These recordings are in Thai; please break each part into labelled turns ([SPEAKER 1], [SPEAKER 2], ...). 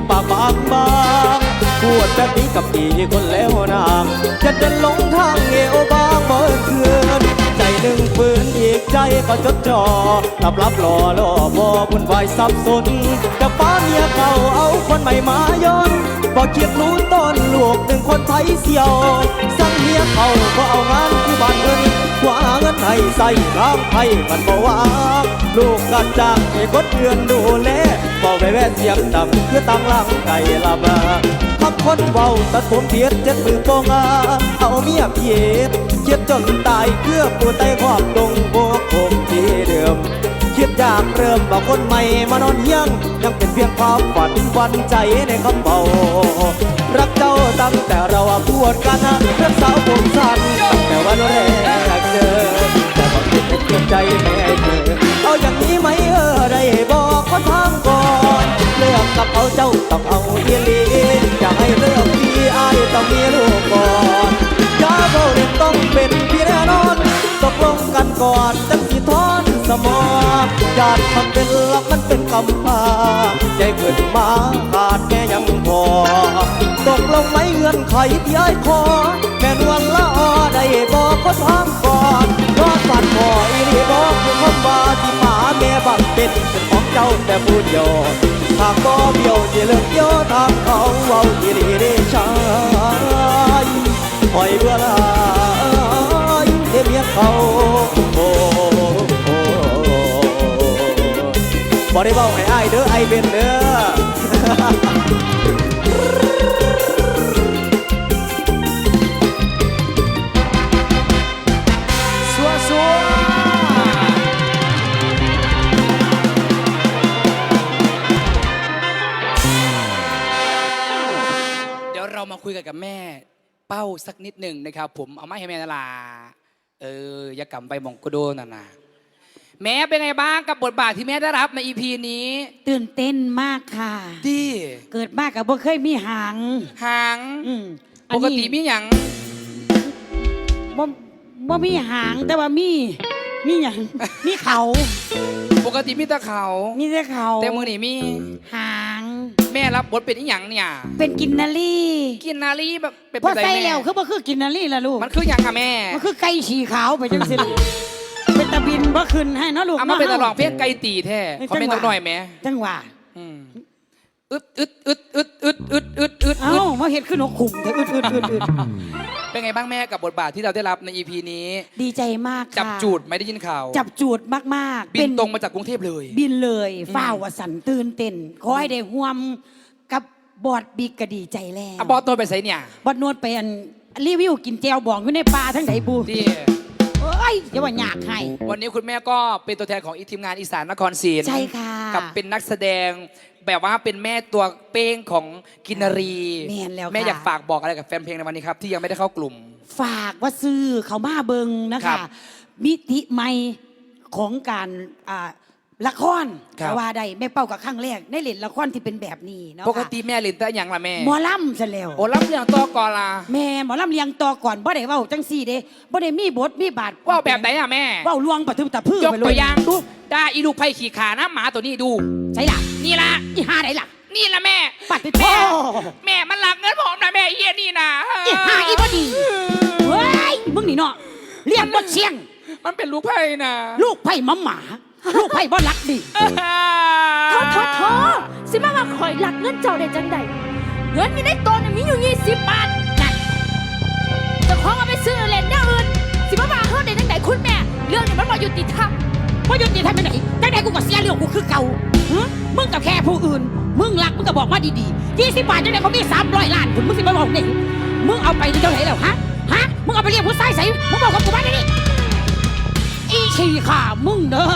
[SPEAKER 1] ปากบางพูดแบบนี้กับพี่คนแล้วนางจะเดินลงทางเอวบางเมื่อคืนใจหนึ่งปืนอีกใจก็จดจ่อรับรอพอวุ่นวายสับสนกับป้าเมียเก่าเอาคนใหม่มาย้อนบอกเกียดรู้ต้นลูกหนึ่งคนไทยเสียวสั่งเมียเขาก็เอางานที่บ้านเงินกว่าเงินให้ใส่ร่างไทยมันบอกว่าลูกกัดจ้างให้กดเดือนดูแลบอกไปแว่เสียงดังคือตั้งร่างไก่ละมาคำคนเบาตัดผมเทียดเจ็ดมือโปงเอาเมียเพียดเจ็ดจนตายเพื่อปูไตขอบตรงโบกผมที่เดิมคิดอยากเริ่มว่าคนใหม่มานอนเฮียงยังเป็นเพียงความฝันวันใจในคำเบารักเจ้าตั้งแต่เราพูดกันเรื่องสาวผมสั้นตั้งแต่วันแรกเจอแต่บอกคิดเป็นใจแม่เธอเอาอย่างนี้ไหมได้บอกก็ทำก่อนเลือกกับเอาเจ้าต้องเอาเอียลีอยากให้เลือกพี่อายต้องมีลูกก่อนอย่าเบาเด็กต้องเป็นพี่แน่นอนตกลงกันก่อนตั้งสิทอนสมองญาติทำเป็นลักมันเป็นคำพาใจเกิดมาขาดแม่ยังพอตกลงไม่เงื่อนไขที่อ้ายขอแม่นวันละออได้บอกก็ทำก่อนรอดฝันพออีนี่บอกคือคำว่าที่ป่าแม่บังเป็นของเจ้าแต่พูดโยทางก็เบี้ยวที่เลิกโยทางเขาเว้าที่ดีได้ใช้ปล่อยเวลาเมียเขาบอกได้บอกให้อ้ายเด้อไอ้เป็นเด้อสัว
[SPEAKER 2] เดี๋ยวเรามาคุยกันกับแม่เป้าสักนิดหนึ่งนะครับผมเอาไม้ให้แม่นาลาอย่ากำไปมองกโดน่ะนะแม่เป็นไงบ้างกับบทบาทที่แม่ได้รับใน EP นี้
[SPEAKER 3] ตื่นเต้นมากค่ะ
[SPEAKER 2] ดี
[SPEAKER 3] เกิดมากกับบ่เคยมีหาง
[SPEAKER 2] ปกติมีหยัง
[SPEAKER 3] บ่มีหางแต่ว่ามีหยังมีเขา
[SPEAKER 2] ปกติมีแต่เขาแต่มือนี่มี
[SPEAKER 3] หาง
[SPEAKER 2] แม่รับบทเป็นอีหยังเนี่ย
[SPEAKER 3] เป็นกินนารี
[SPEAKER 2] แบบเป็น
[SPEAKER 3] พอใส่แล้วคือบ่คือกินนารีล่ะลูก
[SPEAKER 2] มันคือหยังค่ะแม่
[SPEAKER 3] มันคือไก่ฉี่ขาวไปจังซี่เป็นตะบินบ่ขึ้นให้เนาะลูก
[SPEAKER 2] เอามาเป็นตะลองเพี้ยนไก่ตีแท้ขอเป็นตัวหน่อยแม่
[SPEAKER 3] จังหวะ
[SPEAKER 2] อึด
[SPEAKER 3] เอ้ามาเห็นขึ้นนกขุ่มแต่อึด
[SPEAKER 2] เป็นไงบ้างแม่กับบทบาทที่เราได้รับใน EP นี้
[SPEAKER 3] ดีใจมากค่ะ
[SPEAKER 2] จับจูดไม่ได้ยินข่าว
[SPEAKER 3] จับจูดมาก
[SPEAKER 2] ๆบินตรงมาจากกรุงเทพเลย
[SPEAKER 3] บินเลยฝ้าวสันตื่นเต้นขอให้ได้ห่วมกับบอดบิ๊กก็ดีใจแล้ว
[SPEAKER 2] บอดตัวไปใส่เนี่ย
[SPEAKER 3] บอดนวดไปรีวิวกินแจวบองอยู่ในป่าทั้งไหนบู
[SPEAKER 2] ดี
[SPEAKER 3] อย่าว่าอยากให้
[SPEAKER 2] วันนี้คุณแม่ก็เป็นตัวแทนของทีมงานอีสานนครศรี
[SPEAKER 3] ใช่ค่ะ
[SPEAKER 2] กับเป็นนักแสดงแบบว่าเป็นแม่ตัวเป้งของกินนารีแม่อยากฝากบอกอะไรกับแฟนเพลงในวันนี้ครับที่ยังไม่ได้เข้ากลุ่ม
[SPEAKER 3] ฝากว่าซื้อเขามาเบิงนะคะมิติใหม่ของการละครแต่ว่าใดแม่เป้ากับครั้งแรกได้เล่นละครที่เป็นแบบนี้เนาะ
[SPEAKER 2] ปกติแม่เล่นแต่อย่างละแม่
[SPEAKER 3] หมอลำซะแล้ว
[SPEAKER 2] หมอลำเลี้ยงตัวก่อนล่ะ
[SPEAKER 3] แม่หมอลำเลี้ยงตัวก่อนบ่ได้เว้าจังซี่เด้บ่ได้มีบทมีบาท
[SPEAKER 2] ว่าแบบไหนอะแม่
[SPEAKER 3] เว้าลวงปะทึบตะพื้
[SPEAKER 2] ยกตัวอย่างดูได้อีลูกไผ่ขี่ขานะหมาตัวนี้ดู
[SPEAKER 3] ใช่ล่ะ
[SPEAKER 2] นี่ละ
[SPEAKER 3] อีห่าไหนล่ะ
[SPEAKER 2] นี่ละแม่
[SPEAKER 3] ปัดแม่
[SPEAKER 2] มันหลักเงินผมนะแม่เอียนี่นะ
[SPEAKER 3] อีห่าอีบ่ดีเฮ้ยมึงนี่เนาะเรียกบ่เชียง
[SPEAKER 2] มันเป็นลูกไผ่นะ
[SPEAKER 3] ลูกไผ่หมาลูกไผ่บ่รักดิ
[SPEAKER 4] ท้อสิมาว่าคอยหลักเงินเจ้าได้จังใดเงินอยู่ในตัวน่ะมีอยู่20 บาทนั่นจะขอเอาไปซื้อเล่นอย่างอื่นสิมาว่าเฮาได้จังใดคุณแม่เรื่องนี้มันบ่ยุติธรรม
[SPEAKER 3] ไปไหนจังใดกูก็เสียเรื่องกูคือเก่ามึงกับแค่ผู้อื่นมึงรักมึงก็บอกมาดีๆ20 บาทจังใดเขามี300 ล้านคุณมึงสิมาบอกนี่มึงเอาไปเท่าไหร่แล้วฮะมึงเอาไปเรียกผู้ชายใส่มึงบอกกับกูมาดิอีชีค่ะมึงเด้อ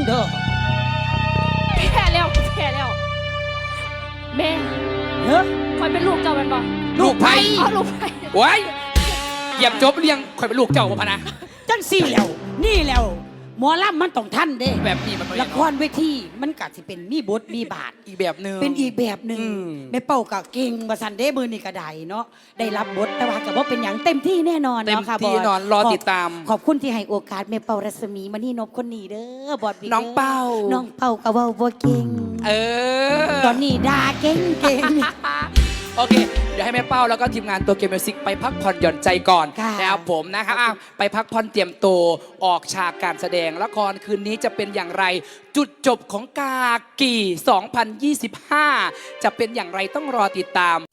[SPEAKER 4] แพ้แล้วแม่คอยเป็นลูกเจ้าเป็นบ่
[SPEAKER 2] ลูกไผ่
[SPEAKER 4] ลูกไผ่
[SPEAKER 2] โอ้ยเหยียบจบเลี้ยงคอยเป็นลูกเจ้าบ่พะนะ
[SPEAKER 3] จังสี่แล้วนี่แล้วหมอลำมันต้องท่านเด้
[SPEAKER 2] แบบนี้มัน
[SPEAKER 3] ละครเวทีมันก็สิเป็นมีบทมีบาท
[SPEAKER 2] อีกแบบนึง
[SPEAKER 3] เป็นอีกแบบนึงแม่เป้าก็เก่งว่าซั่นเด้มื้อนี้ก็ได้เนาะได้รับบทแต่ว่าก็บ่เป็นหยังเต็มที่แน่นอนเนาะค่ะบอส
[SPEAKER 2] เต็มที่นอนรอติดตาม
[SPEAKER 3] ขอบคุณที่ให้โอกาสแม่เป้ารัศมีมณีนพคนนี้เด้อบอส
[SPEAKER 2] น้องเป้า
[SPEAKER 3] ก็เว้าบ่เก่ง
[SPEAKER 2] เออ
[SPEAKER 3] ตอนนี้ด่าเก่ง
[SPEAKER 2] โอเค เดี๋ยวให้แม่เป้าแล้วก็ทีมงานตัวเกมมิวสิกไปพักผ่อนหย่อนใจก่อน
[SPEAKER 3] ค่ะ
[SPEAKER 2] นะครับผมนะครับไปพักผ่อนเตรียมตัวออกฉากการแสดงละครคืนนี้จะเป็นอย่างไร จุดจบของกากี 2025 จะเป็นอย่างไรต้องรอติดตาม